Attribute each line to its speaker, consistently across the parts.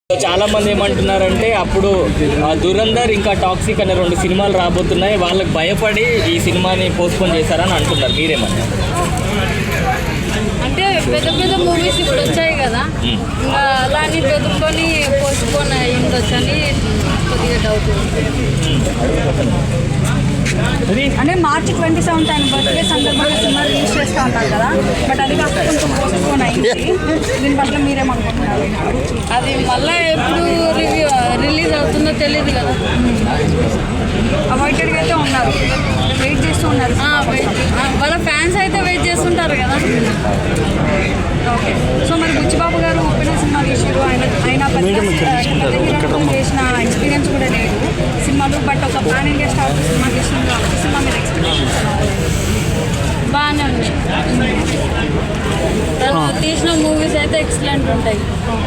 Speaker 1: చాలా మంది ఏమంటున్నారంటే అప్పుడు దురంధర్ ఇంకా టాక్సిక్ అనే 2 సినిమాలు రాబోతున్నాయి, వాళ్ళకి భయపడి ఈ సినిమాని పోస్ట్పోన్ చేశారని అంటున్నారు. మీరేమన్నా?
Speaker 2: అంటే పెద్ద పెద్ద మూవీస్ ఇప్పుడు వచ్చాయి కదా, ఇంకా అలాని బెదుర్కొని పోస్ట్పోన్ అయ్యిండొచ్చని కొద్దిగా డౌట్.
Speaker 3: అంటే మార్చి 27 ఆయన బర్త్డే సందర్భంగా సినిమా రిలీజ్ చేస్తూ ఉంటారు కదా, బట్ అది కాస్త కొంచెం పోస్ట్పోన్ అయింది. దీని పట్ల మీరేమనుకుంటున్నారు?
Speaker 2: అది మళ్ళీ ఎప్పుడు రిలీజ్ అవుతుందో తెలియదు కదా.
Speaker 3: అవాయిడెడ్గా అయితే ఉన్నారు, వెయిట్ చేస్తూ ఉన్నారు.
Speaker 2: వాళ్ళ ఫ్యాన్స్ అయితే వెయిట్ చేస్తుంటారు కదా.
Speaker 3: ఓకే, సో మరి బుచ్చిబాబు గారు ఉప్పిన సినిమా తీసారు, ఆయన పెద్ద హీరోతో చేసిన ఎక్స్పీరియన్స్ కూడా లేదు సినిమాలు, బట్ ఒక పాన్ ఇండియా స్టార్ సినిమా తీసిన సినిమా మీద ఎక్స్పీరియన్స్
Speaker 2: బాగానే ఉంది. తను తీసిన మూవీస్ అయితే ఎక్సలెంట్ ఉంటాయి.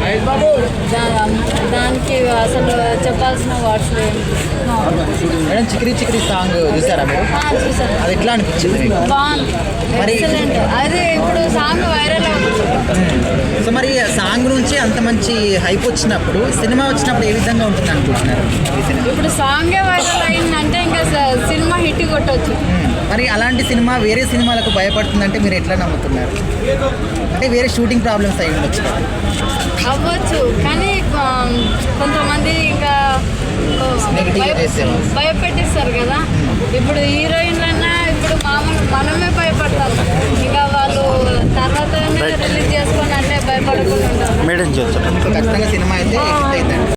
Speaker 2: దానికి అసలు చెప్పాల్సిన వర్డ్స్ లేవు.
Speaker 4: మేడం చిక్రీ చిక్రీ సాంగ్ చూసారా మీరు?
Speaker 2: చూసాను.
Speaker 4: అది ఎట్లా అనిపించింది?
Speaker 2: బాగుంది, ఎక్సలెంట్. అదే ఇప్పుడు సాంగ్ వైరల్ అవుతుంది.
Speaker 4: సో మరి సాంగ్ నుంచి అంత మంచి హైప్ వచ్చినప్పుడు సినిమా వచ్చినప్పుడు ఏ విధంగా ఉంటుంది అనుకుంటున్నారు?
Speaker 2: ఇప్పుడు సాంగే వైరల్ అయిందంటే ఇంకా సినిమా హిట్ కొట్టవచ్చు.
Speaker 4: మరి అలాంటి సినిమా వేరే సినిమాలకు భయపడుతుందంటే మీరు ఎట్లా నమ్ముతున్నారు? అంటే వేరే షూటింగ్ ప్రాబ్లమ్స్ అయి ఉండొచ్చు కదా?
Speaker 2: అవ్వచ్చు, కానీ కొంతమంది ఇంకా భయపెట్టిస్తారు కదా. ఇప్పుడు హీరోయిన్లన్నా ఇప్పుడు మామూలు మనమే భయపడతాం, ఇంకా వాళ్ళు తర్వాత రిలీజ్ చేసుకొని అంటే భయపడకుండా ఉంటారు.
Speaker 4: ఖచ్చితంగా సినిమా అయితే